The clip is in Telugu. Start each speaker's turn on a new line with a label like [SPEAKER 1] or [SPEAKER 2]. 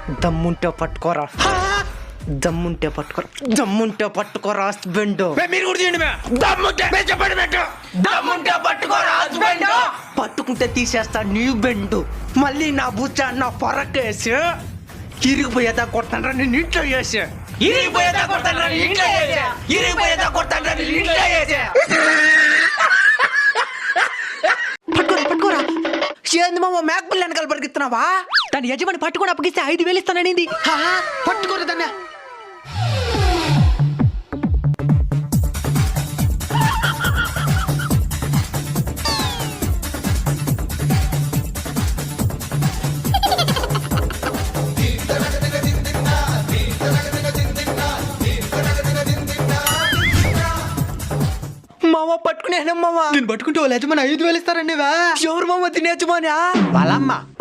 [SPEAKER 1] దమ్ముంటే పట్టుకోరా, దమ్ముంటే పట్టుకోరా, దమ్ముంటే పట్టుకోరా హస్బెండ్.
[SPEAKER 2] మీరు కూడా చేయండి
[SPEAKER 1] దమ్ముంటే పట్టుకోరా హస్బెండ్. పట్టుకుంటే తీసేస్తా నీ బెండు. మళ్ళీ నా బుచ్చ నా పొరకేసి ఇరిగిపోయేదా కొడతాను నేను ఇంట్లో చేసి, ఇరిగిపోయేదా కొడతాను ఇంట్లో చేసి, ఇరిగిపోయేదా కొడతాను ఇంట్లో చేసి. పట్టుకోరా పట్టుకోరా. ఏంది మామ మేకపిల్ల వెనకాల పరిగెత్తున్నావా? దాని యజమాని పట్టుకొని అప్పగిస్తే 5,000 ఇస్తాననింది. పట్టుకోరా దాన్ని. మామ పట్టుకునే మామ. నేను పట్టుకుంటే వాళ్ళు యజమాని 5,000 ఇస్తారండి. ఎవరు మామ తినే యజమాని?
[SPEAKER 2] వాళ్ళమ్మ